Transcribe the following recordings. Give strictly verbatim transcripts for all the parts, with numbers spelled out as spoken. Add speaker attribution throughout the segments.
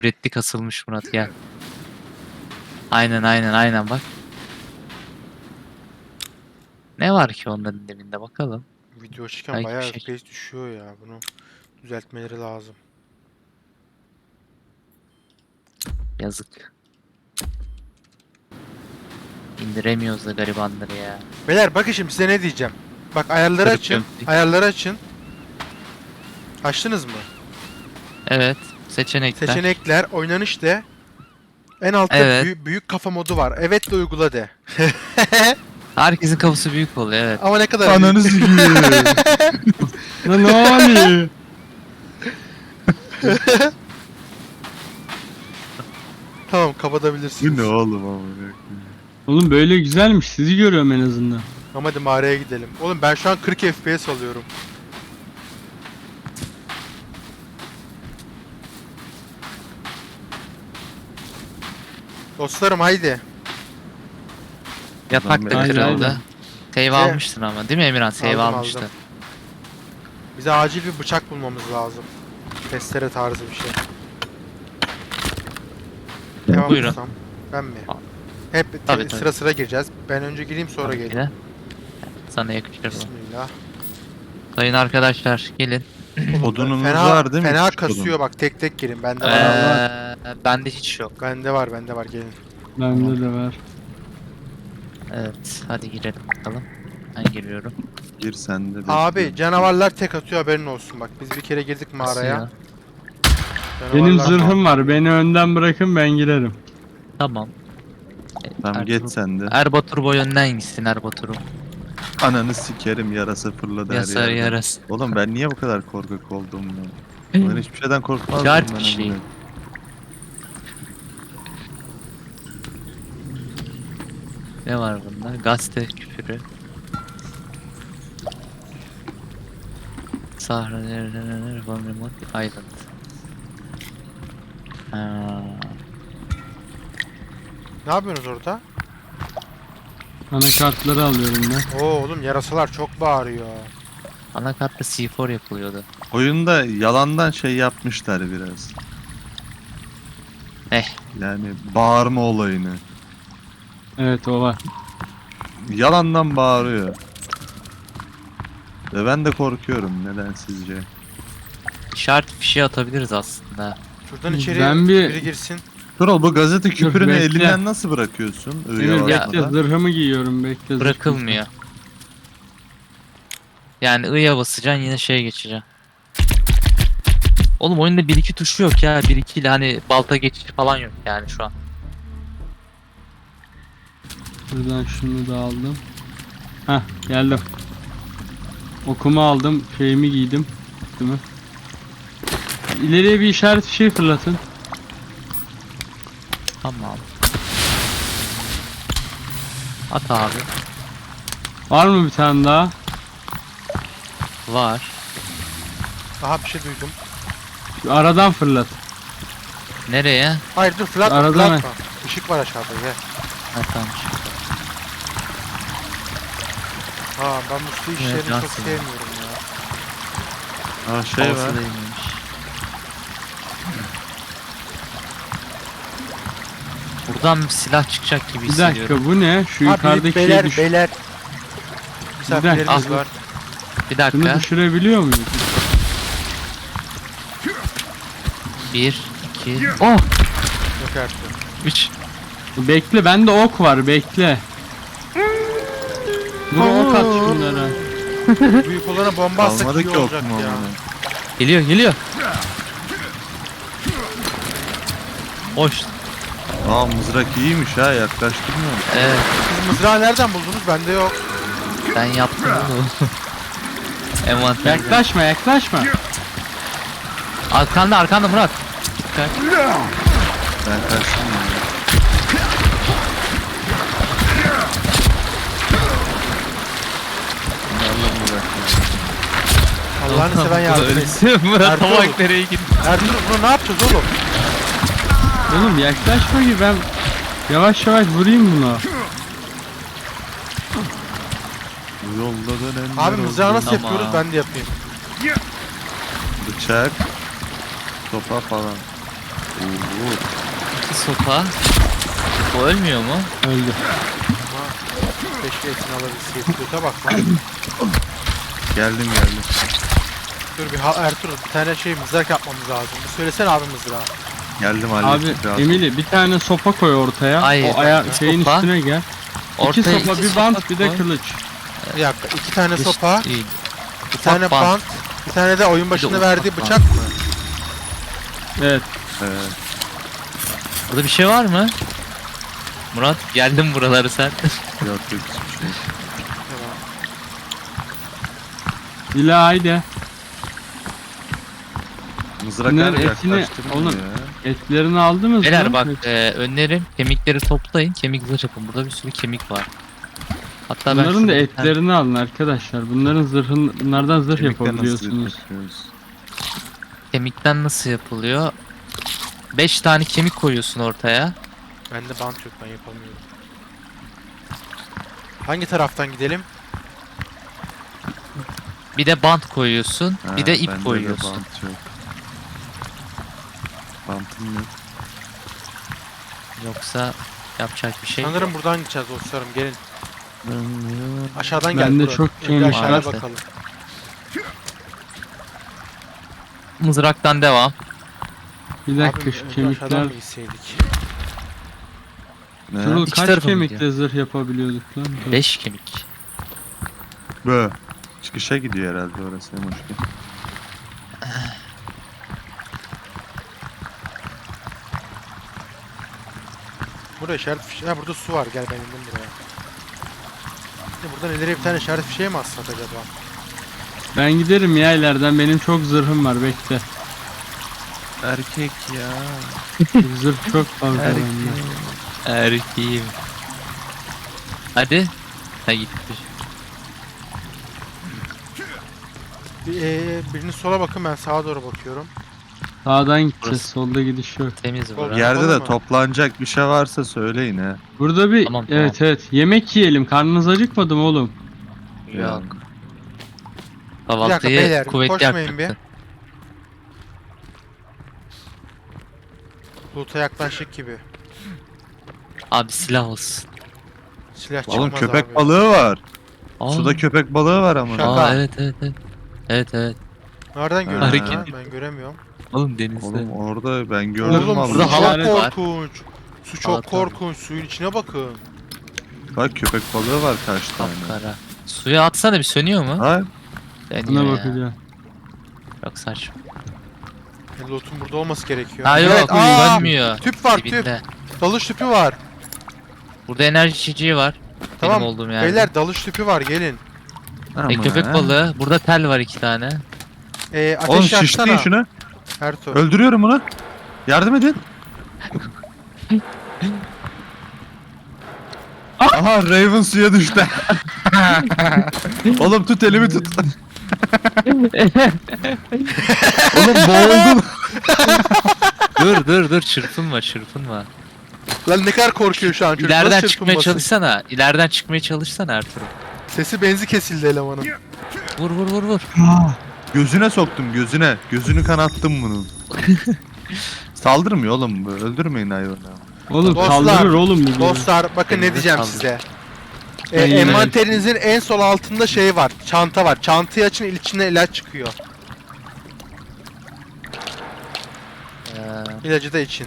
Speaker 1: Ürettik asılmış Murat gel. Aynen aynen aynen bak. Ne var ki onların dibinde bakalım.
Speaker 2: Video açırken
Speaker 1: Belki bir
Speaker 2: bayağı
Speaker 1: şey.
Speaker 2: F P S düşüyor ya. Bunu düzeltmeleri lazım.
Speaker 1: Yazık. İndiremiyoruz da garibanları ya.
Speaker 2: Beyler bakın şimdi size ne diyeceğim. Bak ayarları
Speaker 1: Kırık
Speaker 2: açın.
Speaker 1: gömlek.
Speaker 2: Ayarları açın. Açtınız mı?
Speaker 1: Evet. Seçenekler.
Speaker 2: Seçenekler, oynanış de. En altta
Speaker 1: Evet.
Speaker 2: büyük, büyük kafa modu var. Evet de uygula de.
Speaker 1: Herkesin kafası büyük oluyor evet.
Speaker 2: Ama ne kadar
Speaker 3: Ananı
Speaker 2: büyük.
Speaker 3: sikiyim. Lan ne oluyor?
Speaker 2: Tamam
Speaker 3: Bu
Speaker 2: kapatabilirsiniz.
Speaker 3: ne oğlum amına?
Speaker 4: Oğlum böyle güzelmiş. Sizi görüyorum en azından.
Speaker 2: Ama hadi mağaraya gidelim. Oğlum ben şu an kırk F P S alıyorum. Dostlarım haydi.
Speaker 1: Yatak da
Speaker 4: Haydi,
Speaker 1: kırıldı.
Speaker 4: haydi.
Speaker 1: Save
Speaker 2: Şey-
Speaker 1: almıştın ama değil mi Emirhan? Save
Speaker 2: Aldım,
Speaker 1: almıştı.
Speaker 2: aldım. Bize acil bir bıçak bulmamız lazım. Testere tarzı bir şey. Devam
Speaker 1: Buyurun.
Speaker 2: etsem. Ben mi?
Speaker 1: Al.
Speaker 2: Hep te-
Speaker 1: Tabii, tabii.
Speaker 2: sıra sıra gireceğiz. Ben önce gireyim sonra
Speaker 1: Tabii ki
Speaker 2: geleyim.
Speaker 1: de. Sana yakışır bu.
Speaker 2: Bismillah.
Speaker 1: Sayın arkadaşlar gelin.
Speaker 3: Odunumuz
Speaker 2: Fena,
Speaker 3: var değil mi?
Speaker 2: fena
Speaker 3: Küçük odun.
Speaker 2: kasıyor bak tek tek girin. Bende
Speaker 1: Ee,
Speaker 2: var.
Speaker 1: bende hiç yok.
Speaker 2: Bende var bende var gelin.
Speaker 4: Bende de var.
Speaker 1: Evet hadi girelim bakalım. Ben giriyorum.
Speaker 3: Gir sen de.
Speaker 2: Abi
Speaker 3: bekliyorum.
Speaker 2: canavarlar tek atıyor haberin olsun bak. Biz bir kere girdik mağaraya.
Speaker 1: Nasıl ya?
Speaker 4: Benim
Speaker 2: Canavarlar-
Speaker 4: zırhım var. Beni önden bırakın ben girerim.
Speaker 1: Tamam. E,
Speaker 3: Tamam
Speaker 1: Ertuğrul-
Speaker 3: geç sen de.
Speaker 1: Erbatur boy önden gitsin Erbatur'um.
Speaker 3: Ananı sikerim yarasa fırladı her
Speaker 1: Yasar
Speaker 3: yerden.
Speaker 1: yarası.
Speaker 3: Oğlum ben niye bu kadar korkak oldum ben? Ben hiçbir şeyden korkmazdım
Speaker 1: İşaret
Speaker 3: ben
Speaker 1: bir şey.
Speaker 3: amına.
Speaker 1: Ne var bunda? Gazete küfürü. Sahra Von Remote Island. Ha.
Speaker 2: Ne yapıyorsunuz orada?
Speaker 4: Anakartları alıyorum ben.
Speaker 2: Oo oğlum yarasalar çok bağırıyor.
Speaker 1: Anakartta C dört yapılıyordu.
Speaker 3: Oyunda yalandan şey yapmışlar biraz.
Speaker 1: Eh.
Speaker 3: Yani bağırma olayını.
Speaker 4: Evet o var.
Speaker 3: Yalandan bağırıyor. Ve ben de korkuyorum neden sizce?
Speaker 1: İşaret fişi atabiliriz aslında.
Speaker 2: Şuradan içeri
Speaker 4: Ben bir-
Speaker 2: biri girsin.
Speaker 3: Turol bu gazete küpürünü
Speaker 4: bekle.
Speaker 3: elinden nasıl bırakıyorsun?
Speaker 4: Emir
Speaker 3: Öyle
Speaker 1: ya-
Speaker 4: bekle zırhımı giyiyorum bekle. zırh
Speaker 1: Bırakılmıyor. Yani I'ya basacaksın yine şeye geçeceksin. Oğlum oyunda bir iki tuşu yok ya. bir iki ile hani balta geçişi falan yok yani şu an.
Speaker 4: Buradan şunu da aldım. Hah geldim. Okumu aldım. Şeyimi giydim. Değil mi? İleriye bir işaret bir şey fırlatın.
Speaker 1: Tamam. At abi.
Speaker 4: Var mı bir tane daha?
Speaker 1: Var.
Speaker 2: Aha bir şey duydum.
Speaker 4: Şu aradan fırlat.
Speaker 1: Nereye?
Speaker 2: Hayır dur fırlatma
Speaker 4: Arada
Speaker 2: fırlatma. Işık var aşağıda gel.
Speaker 1: Ha tamam. şimdi.
Speaker 2: Ha ben bu su işlerini
Speaker 1: can
Speaker 2: çok
Speaker 1: sıkıntı.
Speaker 2: sevmiyorum ya.
Speaker 3: Aa şey
Speaker 1: Havası
Speaker 3: var.
Speaker 1: değilmiş. Buradan bir silah çıkacak gibi
Speaker 4: Bir
Speaker 1: hissediyorum.
Speaker 4: dakika bu ne? Şu
Speaker 2: Ha
Speaker 4: yukarıdaki
Speaker 2: büyük
Speaker 4: şey
Speaker 2: beyler
Speaker 4: düş.
Speaker 2: beyler. Misafirlerimiz
Speaker 1: Ah.
Speaker 2: var.
Speaker 1: Bir
Speaker 4: Şunu
Speaker 1: dakika.
Speaker 4: düşürebiliyor muyuz?
Speaker 1: Bir, iki, oh!
Speaker 2: Yok artık.
Speaker 1: Üç.
Speaker 4: Bekle bende ok var bekle. Dur ok at şunlara.
Speaker 2: Büyük olana bomba atsak
Speaker 3: Kalmadı
Speaker 2: iyi
Speaker 3: ki
Speaker 2: olacak
Speaker 3: okum
Speaker 2: ya.
Speaker 3: amına.
Speaker 1: Geliyor, geliyor. Hoş.
Speaker 3: Aa mızrak iyiymiş ha yaklaştırmıyor mu?
Speaker 1: Evet,
Speaker 2: Siz mızrağı nereden buldunuz? Bende yok.
Speaker 1: ben yaptım bunu. Envanter.
Speaker 4: Yaklaşma yaklaşma.
Speaker 1: Arkanda, arkanda Murat. Dikkat.
Speaker 3: Ben kaçtım ya. Bunlarla mı uğraşıyorum?
Speaker 2: Allah'ını seven yardım etsin.
Speaker 1: Murat
Speaker 2: Ertuğrul.
Speaker 1: tavak nereye gitti?
Speaker 2: Ertuğrul bunu ne yapacağız oğlum?
Speaker 4: Oğlum yaklaşma ki ben yavaş yavaş vurayım buna.
Speaker 3: Bu yolda dönenler
Speaker 2: Abi mızrağı
Speaker 3: oldu.
Speaker 2: nasıl
Speaker 1: Tamam.
Speaker 2: yapıyoruz ben de yapayım.
Speaker 3: Bıçak. Sopa falan. Oo,
Speaker 1: İki sopa. O ölmüyor mu?
Speaker 4: Öldü.
Speaker 2: Ama keşke etini alabilseydik. Göte bak lan.
Speaker 3: geldim geldim.
Speaker 2: Dur bir ha Ertuğrul bir tane şey mızrak yapmamız lazım. Bir söylesene abi mızrağı.
Speaker 3: Geldim
Speaker 4: Abi
Speaker 3: hallettik. rahat ol.
Speaker 4: Emili bir tane sopa koy ortaya.
Speaker 1: Hayır,
Speaker 4: o aya
Speaker 2: bir
Speaker 4: şeyin
Speaker 1: sopa.
Speaker 4: üstüne gel. İki
Speaker 1: Ortaya
Speaker 4: sopa
Speaker 1: iki
Speaker 4: bir
Speaker 1: sopa
Speaker 4: bant bir de
Speaker 1: koy.
Speaker 4: kılıç.
Speaker 2: Bir dakika iki tane
Speaker 1: Dış
Speaker 2: sopa,
Speaker 1: değil.
Speaker 2: bir tane bant, bir tane de oyun başında
Speaker 1: ufak
Speaker 2: verdiği
Speaker 1: bant.
Speaker 2: bıçak mı?
Speaker 4: Evet.
Speaker 3: Ee,
Speaker 1: Burada bir şey var mı? Murat geldim buraları sen.
Speaker 3: yok yok hiçbir şey. yok.
Speaker 2: Tamam.
Speaker 4: Dila haydi.
Speaker 3: Mızrak
Speaker 4: Bunların
Speaker 3: her
Speaker 4: etini-
Speaker 3: yaklaştırmıyor
Speaker 4: oğlum.
Speaker 3: ya.
Speaker 4: Etlerini aldınız
Speaker 1: Beyler
Speaker 4: mı?
Speaker 1: bak e, önlerim kemikleri toplayın. Kemik zırh yapın. Burada bir sürü kemik var. Hatta ben
Speaker 4: Bunların da
Speaker 1: şurada bir tane-
Speaker 4: etlerini alın arkadaşlar. Bunların zırhın bunlardan zırh
Speaker 3: Kemikten nasıl
Speaker 4: yapabiliyorsunuz.
Speaker 3: yapıyoruz?
Speaker 1: Kemikten nasıl yapılıyor? beş tane kemik koyuyorsun ortaya.
Speaker 2: Bende bant yok ben yapamıyorum. Hangi taraftan gidelim?
Speaker 1: Bir de bant koyuyorsun.
Speaker 3: Ha,
Speaker 1: bir de
Speaker 3: bende
Speaker 1: ip
Speaker 3: öyle
Speaker 1: koyuyorsun.
Speaker 3: Bant yok. Bantım yok.
Speaker 1: Yoksa yapacak bir şey yok.
Speaker 2: Sanırım buradan gideceğiz dostlarım gelin. Aşağıdan gel.
Speaker 4: Bende
Speaker 2: Burak.
Speaker 4: çok
Speaker 2: Önce
Speaker 4: kemik
Speaker 2: aşağıya
Speaker 1: var.
Speaker 2: bakalım.
Speaker 1: Mızraktan devam.
Speaker 4: Bir dakika
Speaker 2: Abi,
Speaker 4: şu
Speaker 2: önce
Speaker 4: kemikler.
Speaker 2: aşağıdan mı gitseydik?
Speaker 3: Ne?
Speaker 4: Şurada
Speaker 1: İki
Speaker 4: kaç
Speaker 1: tarafı mı
Speaker 4: kemikle zırh yapabiliyorduk lan?
Speaker 1: beş kemik.
Speaker 3: Bö. Çıkışa gidiyor herhalde orası Emoşki.
Speaker 2: Burada işaret fişeği. Ha burada su var. Gel ben indim buraya. Şimdi buradan ileriye bir tane işaret fişeği mi atsak acaba?
Speaker 4: Ben giderim ya ileriden, benim çok zırhım var, bekle.
Speaker 3: Erkek ya.
Speaker 4: Zırh çok fazla
Speaker 1: Erkek.
Speaker 4: bende.
Speaker 1: Erkeğim. Hadi. Ha gitti.
Speaker 2: Bir, ee, biriniz sola bakın ben sağa doğru bakıyorum.
Speaker 4: Sağdan gideceğiz,
Speaker 1: Burası.
Speaker 4: solda gidiş yok.
Speaker 1: Temiz
Speaker 2: Sol
Speaker 1: bura.
Speaker 2: yer-
Speaker 3: Yerde
Speaker 2: Yapalım
Speaker 3: de
Speaker 2: mı?
Speaker 3: toplanacak bir şey varsa söyleyin ha.
Speaker 4: Burada bir
Speaker 1: Tamam, tamam.
Speaker 4: evet evet yemek yiyelim, karnınız acıkmadı mı oğlum?
Speaker 1: Yok.
Speaker 2: Bir dakika
Speaker 1: Kahvaltıyı
Speaker 2: beyler
Speaker 1: kuvvetli
Speaker 2: koşmayın bir.
Speaker 1: yapacaksın.
Speaker 2: Loot'a yaklaştık gibi.
Speaker 1: Abi silah olsun.
Speaker 2: Silah
Speaker 3: Oğlum
Speaker 2: çıkmaz
Speaker 3: köpek
Speaker 2: abi.
Speaker 3: balığı var.
Speaker 1: Aa,
Speaker 3: Suda köpek balığı var ama.
Speaker 2: Şaka.
Speaker 1: Aa, evet evet evet. Evet evet.
Speaker 2: Nereden görüyorsun
Speaker 1: Hareket
Speaker 2: ha?
Speaker 1: ediyor.
Speaker 2: Ben göremiyorum.
Speaker 1: Oğlum denizde.
Speaker 3: Oğlum orada ben gördüm
Speaker 2: Oğlum
Speaker 3: vallahi.
Speaker 2: su
Speaker 1: burada
Speaker 2: çok
Speaker 1: halat var.
Speaker 2: korkunç. Su çok
Speaker 1: Halat var.
Speaker 2: korkunç. Suyun içine bakın.
Speaker 3: Bak köpek balığı var kaç tane.
Speaker 1: Kapkara. Suya atsana bir sönüyor mu?
Speaker 3: Ha?
Speaker 1: Sönüyor
Speaker 4: Buna
Speaker 1: ya.
Speaker 4: bakacağım.
Speaker 1: Çok saçma.
Speaker 2: E, Loot'un burada olması gerekiyor.
Speaker 1: Ha yok
Speaker 2: Evet, aa,
Speaker 1: sönmüyor.
Speaker 2: tüp var tüp.
Speaker 1: Dibinde.
Speaker 2: Dalış tüpü var.
Speaker 1: Burada enerji içeceği var.
Speaker 2: Tamam.
Speaker 1: Benim olduğum yerde.
Speaker 2: Beyler dalış tüpü var gelin.
Speaker 1: E,
Speaker 3: Aman
Speaker 1: köpek
Speaker 3: ha.
Speaker 1: balığı. Burada tel var iki tane.
Speaker 2: E, ateş
Speaker 3: Oğlum
Speaker 2: yaksana.
Speaker 3: şişleyin şunu.
Speaker 2: Ertuğ.
Speaker 3: Öldürüyorum onu. Yardım edin. Aha Raven suya düştü. Oğlum tut elimi tut. Oğlum boğuldum.
Speaker 1: dur dur dur çırpınma çırpınma.
Speaker 2: Lan ne kadar korkuyor şu an çocuk.
Speaker 1: İleriden
Speaker 2: Nasıl
Speaker 1: çıkmaya
Speaker 2: çırpınmasın?
Speaker 1: çalışsana. İleriden çıkmaya çalışsana Ertuğrul.
Speaker 2: Sesi benzi kesildi elemanın.
Speaker 1: Vur vur vur vur.
Speaker 3: Gözüne soktum gözüne. Gözünü kanattım bunun. Saldırmıyor oğlum bu. Öldürmeyin hayvanı.
Speaker 4: Oğlum
Speaker 2: Dostlar,
Speaker 4: kaldırır oğlum bu.
Speaker 2: Dostlar bakın ne
Speaker 1: Elinize
Speaker 2: diyeceğim
Speaker 1: sağlık.
Speaker 2: size. E,
Speaker 4: Ben yine-
Speaker 2: envanterinizin en sol altında şey var. Çanta var. Çantayı açın içinden ilaç çıkıyor.
Speaker 1: Ee,
Speaker 2: İlacı da için.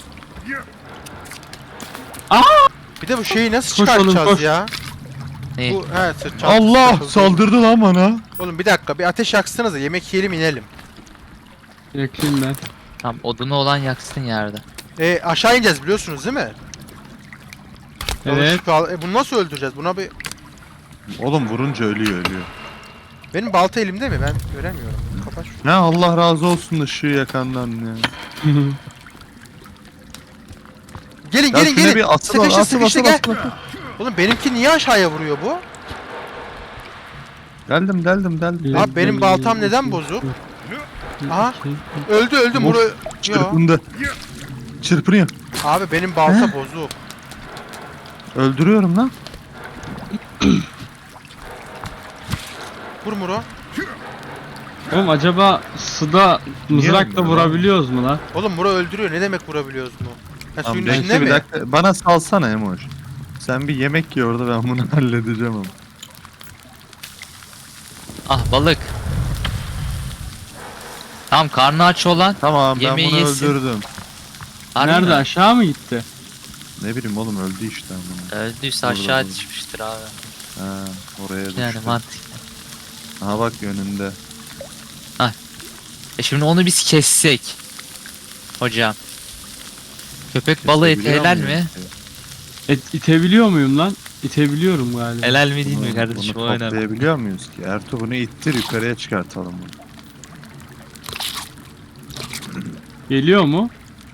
Speaker 4: Aa!
Speaker 2: Bir de bu şeyi nasıl
Speaker 4: Koş oğlum,
Speaker 2: çıkartacağız
Speaker 4: koş.
Speaker 2: ya?
Speaker 1: ne?
Speaker 2: Bu he sırt çantası
Speaker 3: Allah
Speaker 2: takıldı.
Speaker 3: saldırdı lan bana.
Speaker 2: Oğlum bir dakika bir ateş yaksanıza yemek yiyelim inelim.
Speaker 4: Yakayım ben.
Speaker 1: Tam odunu olan yaksın yerde.
Speaker 2: E, aşağı ineceğiz biliyorsunuz değil mi?
Speaker 4: Evet.
Speaker 2: Dalış kal- E, bunu nasıl öldüreceğiz? Buna bir...
Speaker 3: Oğlum vurunca ölüyor ölüyor.
Speaker 2: Benim balta elimde mi? Ben göremiyorum. Kapat şunu.
Speaker 3: Ne Allah razı olsun ışığı yakandan ya.
Speaker 2: Gelin
Speaker 3: Ya
Speaker 2: gelin
Speaker 3: şuna
Speaker 2: gelin.
Speaker 3: bir asıl
Speaker 2: Sıkıştı
Speaker 3: asıl
Speaker 2: sıkıştı
Speaker 3: asıl
Speaker 2: gel.
Speaker 3: asıl.
Speaker 2: Oğlum benimki niye aşağıya vuruyor bu?
Speaker 3: Geldim geldim geldim.
Speaker 2: Abi benim baltam neden bozuk? Aha. Öldü öldü Muro. Yo.
Speaker 3: Çırpındı. Çırpınıyor.
Speaker 2: Abi benim balta bozuk.
Speaker 3: Öldürüyorum lan.
Speaker 2: Vur Muro.
Speaker 4: Oğlum acaba suda mızrakla
Speaker 3: Niye
Speaker 4: vurabiliyoruz mu lan?
Speaker 2: Oğlum bura öldürüyor. Ne demek vurabiliyoruz mu? Ha,
Speaker 3: Tamam,
Speaker 2: suyun
Speaker 3: bekle
Speaker 2: içinde
Speaker 3: bir
Speaker 2: mi?
Speaker 3: dakika. Bana salsana Emoş. Sen bir yemek ye orada, ben bunu halledeceğim ama.
Speaker 1: Ah balık. Tamam karnı aç olan.
Speaker 3: Tamam ben
Speaker 1: Yemeği
Speaker 3: bunu
Speaker 1: yesin.
Speaker 3: öldürdüm.
Speaker 1: Harbi
Speaker 4: Nerede
Speaker 1: mi?
Speaker 4: aşağı mı gitti?
Speaker 3: Ne bileyim oğlum, öldü işte ama.
Speaker 1: Öldüyse
Speaker 3: Burada,
Speaker 1: aşağı
Speaker 3: burada.
Speaker 1: düşmüştür abi.
Speaker 3: Ha, oraya düştü.
Speaker 1: Yani mantıklı.
Speaker 3: Aha bak önünde.
Speaker 1: E şimdi onu biz kessek. Hocam. Köpek balığı eti
Speaker 3: Kesebiliyor
Speaker 1: helal
Speaker 3: muyum
Speaker 1: mi?
Speaker 3: ki?
Speaker 4: Et, itebiliyor muyum lan? İtebiliyorum galiba.
Speaker 1: Helal mi değil
Speaker 3: Bunu,
Speaker 1: mi kardeşim?
Speaker 3: bunu
Speaker 1: O önemli.
Speaker 3: toplayabiliyor muyuz ki? Ertuğ bunu ittir, yukarıya çıkartalım bunu.
Speaker 4: Geliyor mu?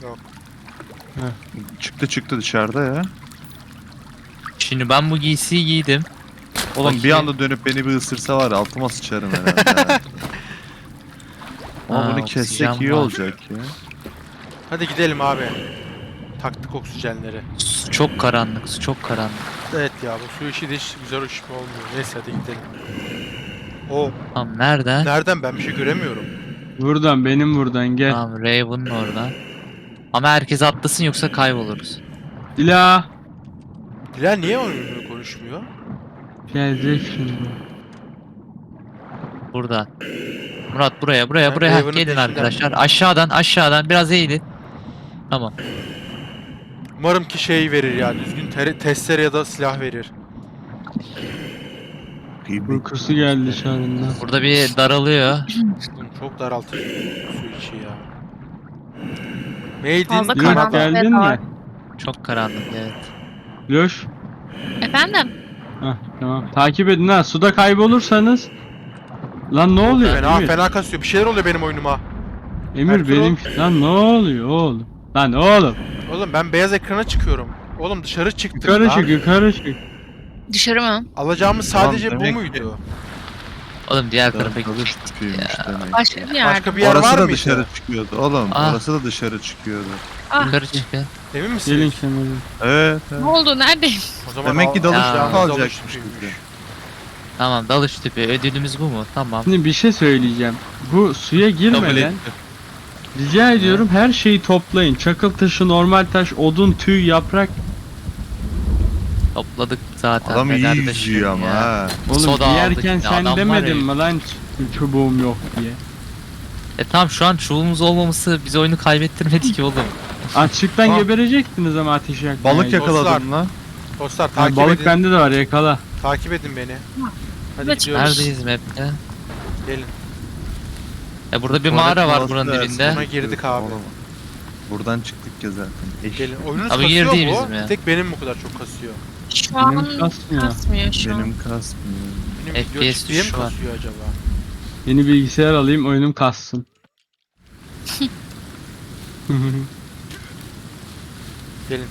Speaker 3: Çıktı çıktı dışarıda ya.
Speaker 1: Şimdi ben bu giysiyi giydim.
Speaker 3: Oğlum bir
Speaker 1: Bakayım.
Speaker 3: anda dönüp beni bir ısırsa var ya, altıma sıçarım herhalde. Ama
Speaker 1: Aa,
Speaker 3: bunu kessek
Speaker 1: oksijen
Speaker 3: iyi
Speaker 1: var.
Speaker 3: olacak ya.
Speaker 2: Hadi gidelim abi. Taktık oksijenleri.
Speaker 1: Su çok karanlık, su çok karanlık.
Speaker 2: Evet ya bu su işi de hiç güzel hoş olmuyor. Neyse hadi gidelim. O
Speaker 1: Tamam nereden?
Speaker 2: nereden, ben bir şey göremiyorum.
Speaker 4: Buradan, benim buradan gel.
Speaker 1: Tamam Raven'ın oradan. Ama herkes atlasın yoksa kayboluruz.
Speaker 4: Dila.
Speaker 2: Bilal niye oyunu konuşmuyor?
Speaker 4: Gelecek şimdi.
Speaker 1: Burada. Murat buraya, buraya,
Speaker 2: Ben
Speaker 1: buraya. Heh,
Speaker 2: Raven'ın
Speaker 1: gelin
Speaker 2: peşinden.
Speaker 1: arkadaşlar. Aşağıdan, aşağıdan biraz eğilin. Tamam.
Speaker 2: Umarım ki şey verir ya, düzgün tere- testere ya da silah verir.
Speaker 4: Uykusu geldi dışarından.
Speaker 1: Burada bir daralıyor.
Speaker 2: Oğlum çok daraltıcı su içi ya. Made in
Speaker 5: Fazla
Speaker 4: Dila
Speaker 5: karanlık
Speaker 2: Kanada.
Speaker 4: geldin
Speaker 5: ve dar.
Speaker 4: mi?
Speaker 1: Çok karanlık evet.
Speaker 4: Loş.
Speaker 5: Efendim?
Speaker 4: Hah tamam. Takip edin ha. Suda kaybolursanız. Lan ne oluyor?
Speaker 2: Fena
Speaker 4: Emir,
Speaker 2: fena kasıyor. Bir şeyler oluyor benim oyunuma.
Speaker 4: Emir
Speaker 2: Ertuğrul.
Speaker 4: benim. Lan ne oluyor oğlum? Lan oğlum.
Speaker 2: Oğlum ben beyaz ekrana çıkıyorum. Oğlum dışarı çıktım
Speaker 4: Yukarı
Speaker 2: lan.
Speaker 4: çık, yukarı çık.
Speaker 5: Dışarı mı?
Speaker 2: Alacağımız
Speaker 3: Tamam,
Speaker 2: sadece bu
Speaker 3: demek
Speaker 2: muydu?
Speaker 1: Oğlum diğer tarafa
Speaker 3: Tarafa
Speaker 1: gittik
Speaker 3: çıkıyormuş
Speaker 1: ya.
Speaker 3: demek.
Speaker 5: Başka bir yer.
Speaker 2: Başka bir yer
Speaker 3: Orası
Speaker 2: var
Speaker 3: da
Speaker 2: mıydı?
Speaker 3: dışarı çıkıyordu oğlum.
Speaker 1: Ah.
Speaker 3: Orası da dışarı çıkıyordu.
Speaker 5: Ah,
Speaker 1: Yukarı çıkın.
Speaker 2: Emin
Speaker 4: Gelin
Speaker 2: misiniz?
Speaker 4: kenara.
Speaker 3: Evet. evet.
Speaker 5: ne oldu? Neredeyim?
Speaker 2: O zaman
Speaker 3: Demek ki
Speaker 2: al-
Speaker 3: dalış
Speaker 1: Ya.
Speaker 3: tüpü
Speaker 2: alacağımız dalış
Speaker 3: alacakmış
Speaker 2: tüpüymüş.
Speaker 3: bize.
Speaker 1: Tamam dalış tüpü. Ödülümüz bu mu? Tamam.
Speaker 4: Şimdi bir şey söyleyeceğim. Bu suya
Speaker 1: Kabul
Speaker 4: girmeden
Speaker 1: ettim.
Speaker 4: rica ediyorum her şeyi toplayın. Çakıl taşı, normal taş, odun, tüy, yaprak.
Speaker 1: Topladık zaten.
Speaker 3: Adam iyi
Speaker 1: Fener de
Speaker 3: yüzüyor
Speaker 1: şimdi
Speaker 3: ama
Speaker 1: ya.
Speaker 3: ha.
Speaker 4: Oğlum
Speaker 1: Soda aldık
Speaker 4: yerken
Speaker 1: yine,
Speaker 4: sen
Speaker 1: adam var
Speaker 4: demedin
Speaker 1: ya.
Speaker 4: mi lan ç- çubuğum yok diye.
Speaker 1: E tamam şu an çubuğumuz olmaması bize oyunu kaybettirmedi ki oğlum.
Speaker 4: Açlıktan
Speaker 2: Aa.
Speaker 4: geberecektiniz ama ateş yakmaya.
Speaker 3: Balık yakaladım lan.
Speaker 2: Dostlar
Speaker 4: Ha,
Speaker 2: takip
Speaker 4: balık
Speaker 2: edin.
Speaker 4: bende de var, yakala.
Speaker 2: Takip edin beni. Hadi
Speaker 5: Evet,
Speaker 2: gidiyoruz.
Speaker 1: Neredeyiz map'te?
Speaker 2: Gelin.
Speaker 1: E burada bir
Speaker 3: Tuvalet
Speaker 1: mağara var
Speaker 3: molası
Speaker 1: buranın
Speaker 3: da
Speaker 1: dibinde.
Speaker 2: Buna girdik abi.
Speaker 3: Oğlum, buradan çıktık ya zaten. Eş.
Speaker 2: Gelin. Oyununuz
Speaker 1: Abi
Speaker 2: kasıyor
Speaker 1: girdiğimiz
Speaker 2: mu?
Speaker 1: mi?
Speaker 2: Bir tek benim bu kadar çok kasıyor.
Speaker 5: Şu an
Speaker 4: Benim kasmıyor.
Speaker 5: kasmıyor şu an.
Speaker 3: Benim kasmıyor.
Speaker 2: Benim
Speaker 1: F
Speaker 2: video
Speaker 1: P S
Speaker 2: çıktıya mı
Speaker 1: düşüşü var.
Speaker 2: kasıyor acaba?
Speaker 4: Yeni bilgisayar alayım, oyunum kassın.
Speaker 2: Gelin.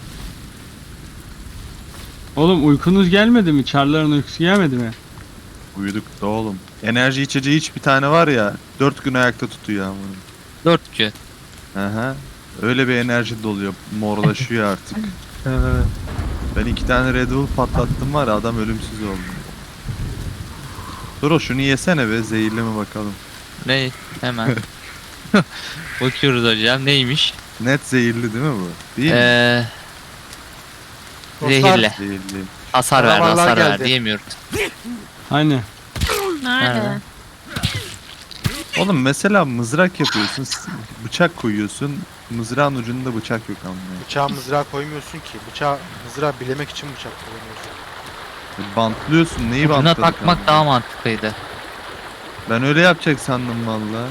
Speaker 4: Oğlum uykunuz gelmedi mi? Çarların uykusu gelmedi mi?
Speaker 3: Uyuduk da oğlum. Enerji içeceği hiç bir tane var ya. Dört gün ayakta tutuyor ama.
Speaker 1: Dört gün.
Speaker 3: Aha. Öyle bir enerji doluyor. Morlaşıyor artık. Ben iki tane Red Bull patlattım var ya, adam ölümsüz oldu. Dur o şunu yesene be, zehirli mi bakalım.
Speaker 1: Ne? Hemen. Bakıyoruz hocam neymiş?
Speaker 3: Net zehirli değil mi bu? Değil mi?
Speaker 1: Eee...
Speaker 2: Dostlar,
Speaker 1: Zehirli.
Speaker 3: Zehirli.
Speaker 1: Hasar ver,
Speaker 2: Canavarlar
Speaker 1: hasar ver
Speaker 2: geldi.
Speaker 1: diyemiyoruz.
Speaker 4: Hani?
Speaker 5: Nerede?
Speaker 1: Nerede?
Speaker 3: Oğlum mesela mızrak yapıyorsun, s- bıçak koyuyorsun, mızrağın ucunda bıçak yok ama.
Speaker 2: Bıçağı mızrağa koymuyorsun ki. Bıçağı mızrağı bilemek için bıçak kullanıyorsun.
Speaker 3: Bantlıyorsun, neyi
Speaker 1: Buna
Speaker 3: bantladık
Speaker 1: takmak
Speaker 3: ama?
Speaker 1: daha mantıklıydı.
Speaker 3: Ben öyle yapacak sandım valla.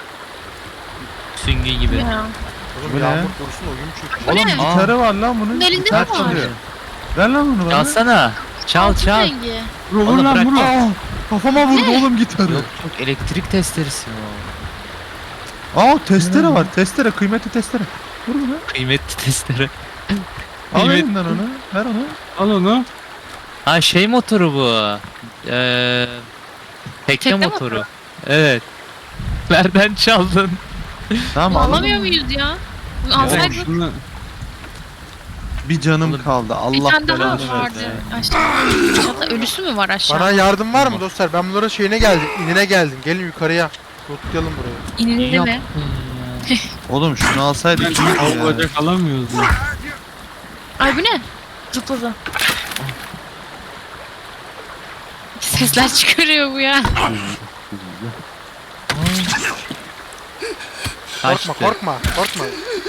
Speaker 1: Süngü gibi.
Speaker 5: Ya.
Speaker 2: Oğlum
Speaker 3: Bu ne?
Speaker 2: yağmur korusun oyun çöküyor.
Speaker 5: Bu
Speaker 3: Oğlum
Speaker 5: ne?
Speaker 3: gitarı var lan bunun.
Speaker 5: Bunun elinde
Speaker 3: Gitar
Speaker 5: mi var?
Speaker 3: çalıyor. Ver lan bunu bana.
Speaker 1: Çalsana. Çal
Speaker 5: Altın
Speaker 1: çal.
Speaker 5: rengi.
Speaker 4: Vur vur
Speaker 1: Oğlum
Speaker 4: lan
Speaker 1: bırak.
Speaker 4: vur.
Speaker 3: Aa, kafama vurdu oğlum gitarı.
Speaker 1: Yok yok elektrik testeresi o.
Speaker 3: Aa testere var, testere, kıymetli testere. Vur bunu.
Speaker 1: Kıymetli testere.
Speaker 3: Al
Speaker 1: Kıymet-
Speaker 3: elimden onu, ver onu.
Speaker 4: Al onu.
Speaker 1: Ha şey motoru bu. Eee... Tekne
Speaker 5: Tekne
Speaker 1: motoru. Evet. Nereden çaldın?
Speaker 3: Tamam
Speaker 5: Bunu
Speaker 3: alalım.
Speaker 5: alamıyor muyuz ya? Bunu
Speaker 1: Ya.
Speaker 5: alsaydık
Speaker 4: Şunu
Speaker 3: Bir canım
Speaker 1: Oğlum,
Speaker 3: kaldı.
Speaker 5: bir
Speaker 3: Allah
Speaker 5: tane daha
Speaker 3: belanı
Speaker 5: vardı.
Speaker 3: versin.
Speaker 5: Aşağı, aşağıda ölüsü mü var aşağıda?
Speaker 2: Bana yardım var mı dostlar? Ben bunların şeyine geldim. İnine geldim. Gelin yukarıya. Lootlayalım burayı.
Speaker 5: İnildi mi?
Speaker 1: Yaptın ya.
Speaker 3: Oğlum şunu alsaydık iyiydi
Speaker 4: Av
Speaker 3: ya.
Speaker 4: bacak alamıyoruz ya.
Speaker 5: Ay bu ne? Zıpladı. Sesler çıkarıyor bu ya.
Speaker 1: Kaçtı.
Speaker 2: Korkma korkma korkma.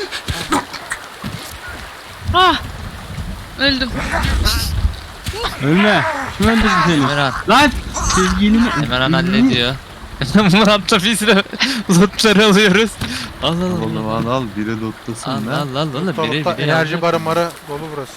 Speaker 5: Ah! Öldüm.
Speaker 4: Ölme. Kim öldürdü seni?
Speaker 1: Emirhan.
Speaker 4: Lan! Sevgilimi...
Speaker 1: Emirhan hallediyor. Murat'la biz de lootları alıyoruz. Al al al.
Speaker 3: Oğlum al al biri
Speaker 1: Al
Speaker 3: lootlasın lan.
Speaker 1: al al al.
Speaker 2: Lootla,
Speaker 1: Biri
Speaker 2: lootla.
Speaker 1: biri
Speaker 2: Enerji
Speaker 1: al.
Speaker 2: barı marı dolu burası.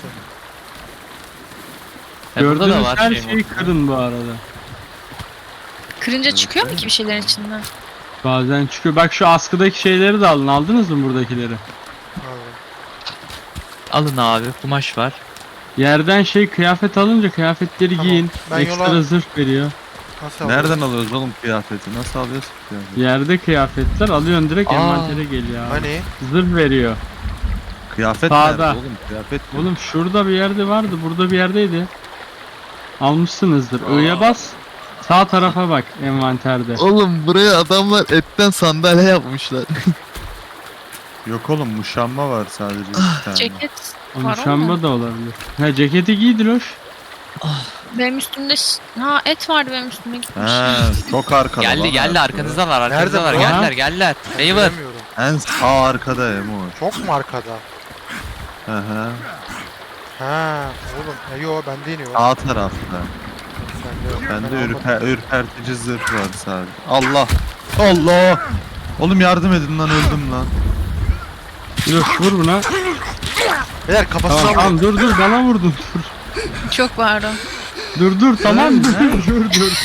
Speaker 1: Ya burada da
Speaker 4: Gördüğünüz
Speaker 1: var
Speaker 4: her
Speaker 1: şey
Speaker 4: şeyi
Speaker 1: motoru.
Speaker 4: kırın bu arada.
Speaker 5: Kırınca çıkıyor mu ki bir şeylerin içinden?
Speaker 4: Bazen çıkıyor. Bak şu askıdaki şeyleri de alın. Aldınız mı buradakileri?
Speaker 2: Abi.
Speaker 1: Alın abi kumaş var.
Speaker 4: Yerden şey kıyafet alınca kıyafetleri
Speaker 2: Tamam,
Speaker 4: giyin.
Speaker 2: ben
Speaker 4: Ekstra
Speaker 2: yola-
Speaker 4: zırh veriyor.
Speaker 2: Nasıl alıyoruz?
Speaker 3: Nereden alıyoruz oğlum kıyafeti? Nasıl alıyoruz ki kıyafeti?
Speaker 4: Yerde kıyafetler alıyorsun direkt
Speaker 1: Aa.
Speaker 4: envantere geliyor abi.
Speaker 2: Hani?
Speaker 4: Zırh veriyor.
Speaker 3: Kıyafet
Speaker 4: Sağda.
Speaker 3: nerede oğlum? Kıyafet mi?
Speaker 4: Oğlum şurada bir yerde vardı. Burada bir yerdeydi. Almışsınızdır. I'ya bas. Sağ tarafa bak envanterde.
Speaker 6: Oğlum buraya adamlar etten sandalye yapmışlar.
Speaker 3: Yok oğlum muşamba var sadece
Speaker 1: Ah,
Speaker 3: bir tane.
Speaker 5: Ceket
Speaker 4: O
Speaker 5: var
Speaker 4: muşamba
Speaker 5: ama.
Speaker 4: da olabilir. Ha ceketi giydir hoş.
Speaker 5: Benim üstümde... ş- Ha et vardı benim üstümde gitmiş.
Speaker 3: He çok arkada
Speaker 1: Geldi
Speaker 3: lan
Speaker 1: geldi
Speaker 3: arkada.
Speaker 1: arkanızda var arkanızda
Speaker 2: Nerede
Speaker 1: var
Speaker 2: bu?
Speaker 1: geldiler geldiler.
Speaker 2: Ben
Speaker 1: Favor.
Speaker 2: göremiyorum.
Speaker 3: En sağ arkada Emo.
Speaker 2: Çok mu arkada?
Speaker 3: Hı hı.
Speaker 2: Ha oğlum. E, yo bende iniyor.
Speaker 3: Sağ tarafta.
Speaker 2: Sende yok.
Speaker 3: Bende
Speaker 2: Ben almadım.
Speaker 3: ürper, ürpertici zırh var sadece. Allah! Allah! Oğlum yardım edin lan öldüm lan.
Speaker 4: Yok vur buna.
Speaker 2: Beyler kafasına
Speaker 4: Tamam,
Speaker 2: vurun.
Speaker 4: tamam dur dur bana vurdun. Dur
Speaker 5: Çok pardon.
Speaker 4: dur dur tamam dur dur dur dur.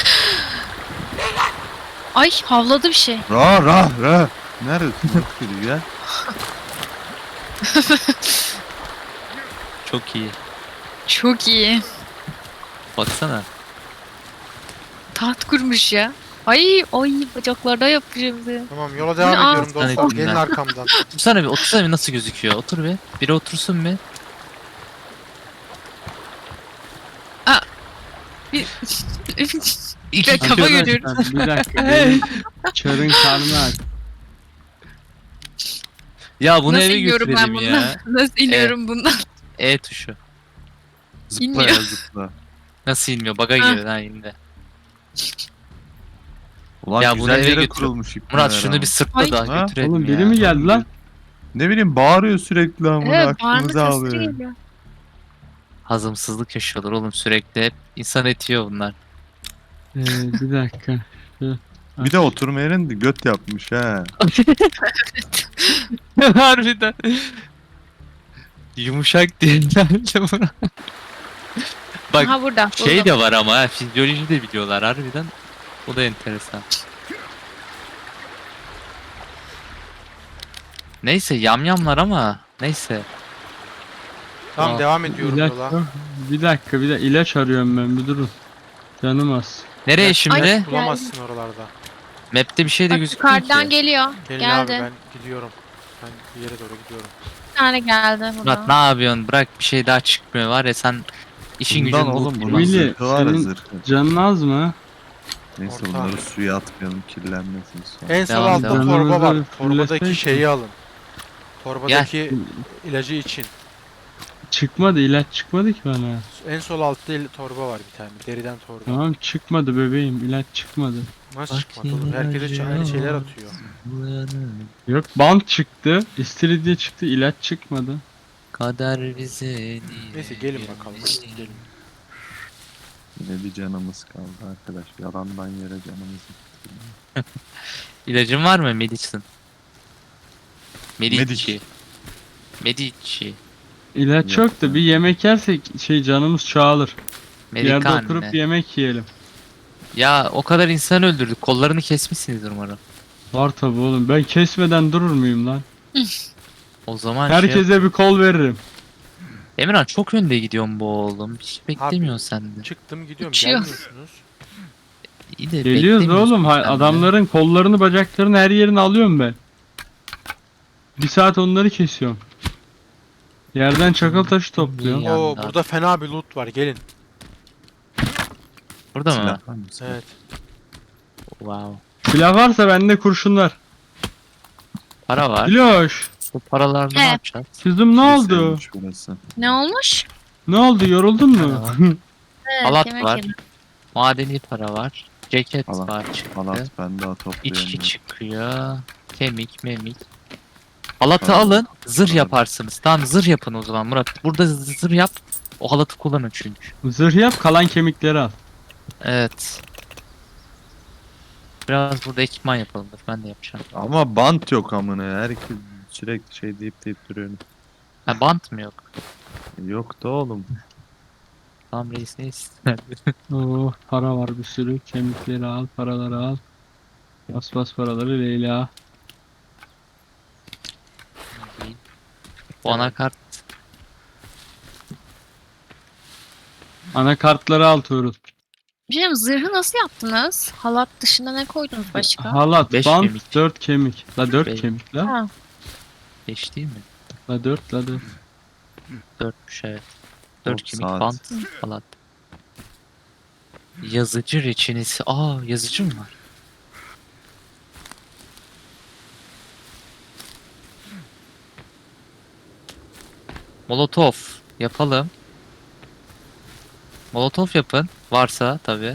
Speaker 5: Ay havladı bir şey.
Speaker 3: Ra ra ra. Neredesin? Bak geliyor ya.
Speaker 1: Çok iyi.
Speaker 5: Çok iyi.
Speaker 1: Baksana.
Speaker 5: Taht kurmuş ya. Ay ay bacaklarda yapacağım bize.
Speaker 2: Tamam yola devam
Speaker 5: Aa.
Speaker 2: ediyorum
Speaker 1: Tane
Speaker 2: dostlar.
Speaker 1: dinle.
Speaker 2: Gelin arkamdan.
Speaker 1: Otursana bir otursana bir nasıl gözüküyor. Otur bir. Biri otursun bir.
Speaker 5: Bir...
Speaker 1: İki
Speaker 5: Kafa
Speaker 1: kişi-
Speaker 5: görüyorum.
Speaker 4: Bir dakika. benim Çarın karnı aç.
Speaker 1: Ya bunu
Speaker 5: Nasıl
Speaker 1: eve
Speaker 5: iniyorum ben
Speaker 1: götürelim
Speaker 5: bundan?
Speaker 1: ya.
Speaker 5: Nasıl iniyorum bundan?
Speaker 1: E tuşu.
Speaker 3: Zıpla
Speaker 5: İnmiyor.
Speaker 3: ya zıpla.
Speaker 1: Nasıl inmiyor? Baga
Speaker 5: Ha.
Speaker 1: girdi ha indi.
Speaker 3: Ulan
Speaker 1: Ya bunu
Speaker 3: güzel
Speaker 1: eve
Speaker 3: yere
Speaker 1: götür.
Speaker 3: kurulmuş ipneler
Speaker 1: Murat şunu
Speaker 3: ama.
Speaker 1: bir sırtla
Speaker 5: Ay.
Speaker 1: da
Speaker 3: Ha?
Speaker 1: götürelim
Speaker 4: Oğlum
Speaker 1: ya.
Speaker 4: biri mi geldi lan?
Speaker 3: Ne bileyim bağırıyor sürekli amına
Speaker 5: Evet bağırma
Speaker 3: aklımıza
Speaker 5: sesleri
Speaker 3: alıyor.
Speaker 5: geliyor.
Speaker 1: Hazımsızlık yaşıyorlar oğlum sürekli. Hep insan etiyor bunlar.
Speaker 4: Ee, bir dakika.
Speaker 3: Bir de oturma yerinde göt yapmış ha.
Speaker 1: Harbiden. Yumuşak değiller buna. Bak
Speaker 5: Aha burada.
Speaker 1: şey
Speaker 5: buldum.
Speaker 1: de var ama ha, fizyoloji de biliyorlar harbiden. O da enteresan. Neyse yamyamlar ama neyse.
Speaker 2: Tamam
Speaker 1: Aa,
Speaker 2: devam ediyorum
Speaker 4: İlaç
Speaker 2: yola.
Speaker 4: yok. Bir dakika bir de ilaç arıyorum ben bir durun. Canım az.
Speaker 1: Nereye şimdi?
Speaker 5: Ay.
Speaker 2: Bulamazsın oralarda.
Speaker 1: Map'te bir şey de
Speaker 5: Bak
Speaker 1: gözükmüyor
Speaker 5: yukarıdan
Speaker 1: ki.
Speaker 5: geliyor.
Speaker 2: Gelin
Speaker 5: Geldi.
Speaker 2: abi ben gidiyorum. Ben bir yere doğru gidiyorum.
Speaker 5: Bir tane geldi
Speaker 1: Murat
Speaker 5: buradan.
Speaker 1: ne yapıyorsun? Bırak bir şey daha çıkmıyor var ya sen işin
Speaker 3: Bundan
Speaker 1: gücün
Speaker 3: oğlum
Speaker 1: bu.
Speaker 3: bunun
Speaker 4: Willy,
Speaker 3: zırhı var ya
Speaker 4: senin-
Speaker 3: zırhı.
Speaker 4: Canın az mı?
Speaker 3: Neyse
Speaker 2: Orta.
Speaker 3: bunları suya atmayalım kirlenmesin sonra.
Speaker 2: En sol
Speaker 1: Devam,
Speaker 2: altta
Speaker 1: devam.
Speaker 2: torba var.
Speaker 4: Canınızı
Speaker 2: Torbadaki
Speaker 4: fullesek
Speaker 2: şeyi alın. Torbadaki ilacı için.
Speaker 4: Çıkmadı ilaç çıkmadı ki bana.
Speaker 2: En sol altta il- torba var bir tane. Deriden torba.
Speaker 4: Tamam çıkmadı bebeğim ilaç çıkmadı.
Speaker 2: Nasıl
Speaker 1: Bak
Speaker 2: çıkmadı oğlum? Herkese ç- aynı şeyler atıyor.
Speaker 4: Yok bant çıktı. İstiridye çıktı ilaç çıkmadı.
Speaker 1: Kader bize
Speaker 2: Neyse gelin bakalım. Gelin.
Speaker 3: Yine bir canımız kaldı arkadaş. Yalandan yere canımız gitti.
Speaker 1: İlacın var mı Medicine? Medici.
Speaker 3: Medic.
Speaker 1: Medici.
Speaker 4: İlaç
Speaker 3: Yok
Speaker 4: yok da
Speaker 3: ya.
Speaker 4: bir yemek yersek şey canımız çoğalır. Bir yerde
Speaker 1: Medikane.
Speaker 4: oturup yemek yiyelim.
Speaker 1: Ya o kadar insan öldürdük. Kollarını kesmişsinizdir umarım.
Speaker 4: Var tabi oğlum ben kesmeden durur muyum lan?
Speaker 1: O zaman şey...
Speaker 4: Herkese bir kol veririm.
Speaker 1: Emirhan çok önde gidiyorsun bu oğlum. Hiç beklemiyorsun sen de.
Speaker 2: Çıktım gidiyorum.
Speaker 5: Uçuyor.
Speaker 2: Gelmiyorsunuz.
Speaker 1: İyi de
Speaker 4: Geliyoruz
Speaker 1: beklemiyorsun
Speaker 4: oğlum. Ha-
Speaker 1: sen de.
Speaker 4: adamların kollarını bacaklarını her yerini alıyorum ben. Bir saat onları kesiyorum. Yerden çakıl taşı topluyorum.
Speaker 1: İyi.
Speaker 2: Oo
Speaker 1: Yanda.
Speaker 2: burada fena bir loot var. Gelin.
Speaker 1: Burada mı?
Speaker 3: Silah var mı? Silah.
Speaker 2: Evet.
Speaker 1: Wow.
Speaker 4: Silah varsa bende kurşun var.
Speaker 1: Para var.
Speaker 4: Diloş.
Speaker 1: Bu paralarla ne
Speaker 5: He.
Speaker 1: yapacağız?
Speaker 4: Kızım ne oldu?
Speaker 3: Kesilmiş burası.
Speaker 5: Ne olmuş?
Speaker 4: Ne oldu? Yoruldun
Speaker 1: Para
Speaker 4: mu?
Speaker 1: var.
Speaker 5: Evet,
Speaker 1: Halat
Speaker 5: yemek
Speaker 1: var.
Speaker 5: yedim.
Speaker 1: Madeni para var. Ceket
Speaker 3: Halat,
Speaker 1: var çıktı.
Speaker 3: Halat ben daha
Speaker 1: İçki
Speaker 3: toplayamıyorum.
Speaker 1: çıkıyor. Kemik memik. Halatı
Speaker 3: Tamam.
Speaker 1: alın. Zırh
Speaker 3: Tamam.
Speaker 1: yaparsınız. Tamam zırh yapın o zaman Murat. Burada zırh yap. O halatı kullanın çünkü.
Speaker 4: Zırh yap, kalan kemikleri al.
Speaker 1: Evet. Biraz burada ekipman yapalım. Dur, ben de yapacağım.
Speaker 3: Ama bant yok amına ya. Herkes sürekli şey deyip deyip duruyor.
Speaker 1: Ha bant mı yok?
Speaker 3: Yok da oğlum.
Speaker 1: Tamam reis ne ister?
Speaker 4: Oh, para var bir sürü. Kemikleri al, paraları al. Bas bas paraları Leyla.
Speaker 1: Bu anakart
Speaker 4: Anakartları al Tuğrul.
Speaker 5: Bir şey diyeyim, zırhı nasıl yaptınız? Halat dışında ne koydunuz başka?
Speaker 4: Halat,
Speaker 1: Beş
Speaker 4: bant,
Speaker 1: kemik.
Speaker 4: dört kemik. La dört
Speaker 1: Beş.
Speaker 4: kemik la.
Speaker 5: Ha,
Speaker 1: beş değil mi?
Speaker 4: La dört, la dört.
Speaker 1: dörtmüş evet. dört
Speaker 3: Dört
Speaker 1: kemik
Speaker 3: saat.
Speaker 1: bant halat. Yazıcı reçinesi. Aa yazıcı mı var? Molotov yapalım. Molotov yapın. Varsa tabi.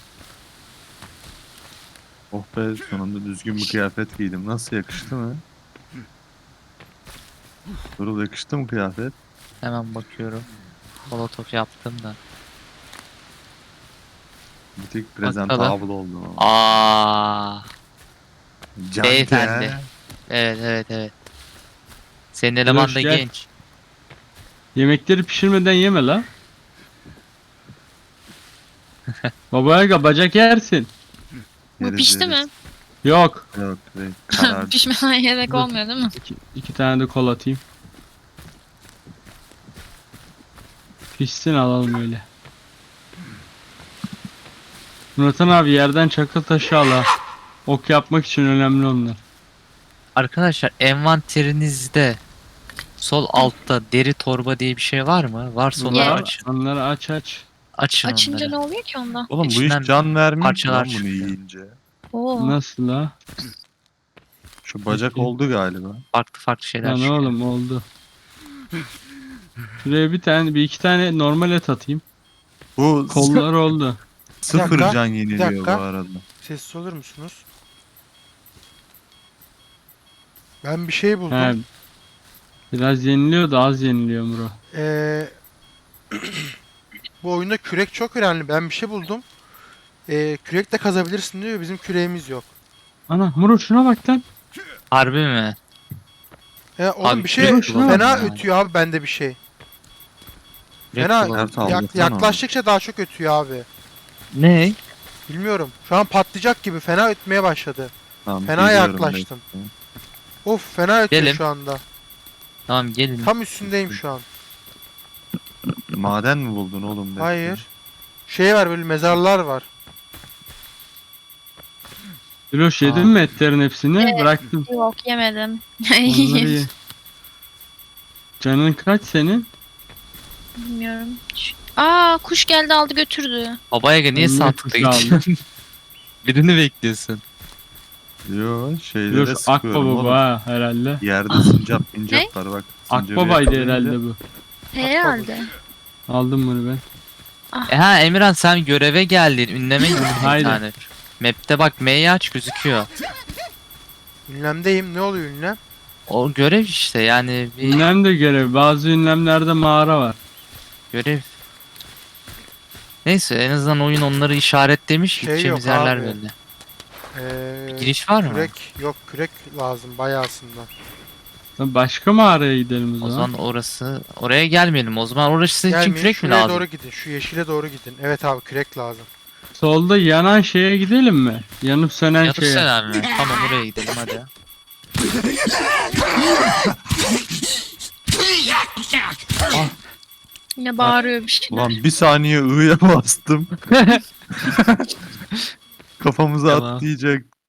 Speaker 3: Oh be sonunda düzgün bir kıyafet giydim. Nasıl yakıştı mı? Durul yakıştı mı kıyafet?
Speaker 1: Hemen bakıyorum. Molotov yaptım da.
Speaker 3: Bir tek presentable oldum ama.
Speaker 1: Aa,
Speaker 3: Can
Speaker 1: beyefendi.
Speaker 3: ya.
Speaker 1: evet evet evet. Senin eleman da
Speaker 4: gel.
Speaker 1: genç.
Speaker 4: Yemekleri pişirmeden yeme la. Babaya bacak yersin.
Speaker 5: bu
Speaker 3: Yeriz,
Speaker 5: pişti mi?
Speaker 3: yeriz.
Speaker 4: Yok.
Speaker 3: Yok be, karar.
Speaker 5: Pişmeden yemek
Speaker 4: Dur.
Speaker 5: olmuyor değil mi?
Speaker 4: İki, iki tane de kol atayım. Pişsin alalım öyle. Murat'ın abi yerden çakıl taşı al ha. Ok yapmak için önemli onlar.
Speaker 1: Arkadaşlar envanterinizde sol altta deri torba diye bir şey var mı? Varsa onları
Speaker 5: Yer.
Speaker 1: açın.
Speaker 4: Onları aç aç.
Speaker 1: Açın
Speaker 5: Açınca
Speaker 1: onları.
Speaker 5: ne oluyor ki onda?
Speaker 3: Oğlum bu
Speaker 1: İçinden
Speaker 3: iş can vermiyor ki
Speaker 1: parçalar
Speaker 3: lan bunu
Speaker 1: çıkıyor.
Speaker 3: yiyince.
Speaker 5: Oo.
Speaker 4: Nasıl la?
Speaker 3: Şu bacak
Speaker 4: Peki.
Speaker 3: oldu galiba.
Speaker 1: Farklı farklı şeyler
Speaker 4: Lan
Speaker 1: çıkıyor.
Speaker 4: oğlum oldu. Şuraya bir tane bir iki tane normal et atayım.
Speaker 3: Bu
Speaker 4: Kollar oldu.
Speaker 3: sıfır
Speaker 2: Bir dakika,
Speaker 3: can
Speaker 2: bir
Speaker 3: yeniliyor bu
Speaker 2: dakika.
Speaker 3: arada.
Speaker 2: Sessiz olur musunuz? Ben bir şey buldum.
Speaker 4: He. Biraz yeniliyor da az yeniliyor Muro.
Speaker 2: Ee, bu oyunda kürek çok önemli. Ben bir şey buldum. Ee, kürek de kazabilirsin diyor. Bizim küreğimiz yok.
Speaker 4: Ana Muro şuna bak lan.
Speaker 1: Harbi mi?
Speaker 2: Ee, oğlum
Speaker 1: Abi,
Speaker 2: bir şey
Speaker 4: kürek şuna bak
Speaker 2: fena
Speaker 1: ya.
Speaker 2: ötüyor abi bende bir şey.
Speaker 1: Direkt
Speaker 2: Fena
Speaker 1: bulalım.
Speaker 3: Evet,
Speaker 2: yak-
Speaker 3: aldırsana.
Speaker 2: yaklaştıkça daha çok ötüyor abi.
Speaker 1: Ne?
Speaker 2: Bilmiyorum. Şu an patlayacak gibi fena ötmeye başladı.
Speaker 3: Tamam,
Speaker 2: Fena
Speaker 3: geliyorum
Speaker 2: yaklaştım.
Speaker 3: bekle.
Speaker 2: Of fena ötüyor
Speaker 1: Gelin.
Speaker 2: şu anda.
Speaker 1: Tamam gelin.
Speaker 2: Tam üstündeyim şu an.
Speaker 3: Maden mi buldun oğlum? Bekle.
Speaker 2: Hayır. Şey var böyle mezarlar var.
Speaker 4: Diloş yedin
Speaker 1: Aa.
Speaker 4: mi etlerin hepsini?
Speaker 5: Evet.
Speaker 4: Bıraktım.
Speaker 5: Yok yemedim.
Speaker 4: Onları ye. Canın kaç senin?
Speaker 5: Bilmiyorum. Şu- Aa kuş geldi aldı götürdü.
Speaker 1: Babaya niye
Speaker 4: Niye
Speaker 1: sağ
Speaker 4: kuş
Speaker 1: tıkla gidiyorsun? Birini bekliyorsun.
Speaker 3: Yo şeylere
Speaker 4: Diloş
Speaker 3: sıkıyorum
Speaker 4: Akbaba
Speaker 3: oğlum.
Speaker 4: ha herhalde.
Speaker 3: Yerde sincap mincap var bak. sincabı
Speaker 4: Akbaba'ydı
Speaker 3: yakalayınca-
Speaker 4: herhalde bu.
Speaker 5: Herhalde.
Speaker 4: Aldım bunu ben.
Speaker 1: E ha Emirhan sen göreve geldin. Ünleme gittin bir
Speaker 4: Haydi.
Speaker 1: tane. Map'te bak M'yi aç gözüküyor.
Speaker 2: Ünlemdeyim. Ne oluyor ünlem?
Speaker 1: O görev işte yani bir
Speaker 4: Ünlem de görev. Bazı ünlemlerde mağara var.
Speaker 1: görev. Neyse en azından oyun onları işaretlemiş.
Speaker 2: Şey
Speaker 1: Gideceğimiz
Speaker 2: yok
Speaker 1: yerler
Speaker 2: abi.
Speaker 1: belli.
Speaker 2: Ee,
Speaker 1: Giriş var mı?
Speaker 2: Kürek yok kürek lazım bayağısında.
Speaker 4: Lan başka mağaraya gidelim o
Speaker 1: O
Speaker 4: zaman.
Speaker 1: zaman orası oraya gelmeyelim. O zaman orası için
Speaker 2: Gelmeyin
Speaker 1: kürek mi
Speaker 2: şuraya
Speaker 1: lazım?
Speaker 2: doğru gidin. Şu yeşile doğru gidin. Evet abi kürek lazım.
Speaker 4: Solda yanan şeye gidelim mi? Yanıp sönen
Speaker 1: Yatıp
Speaker 4: şeye.
Speaker 1: sen abi. Tamam oraya gidelim hadi.
Speaker 5: Yine bağırıyor bir şey.
Speaker 3: Ulan bir saniye ı'ya bastım. Kafamıza
Speaker 1: Tamam.
Speaker 3: atlayacak.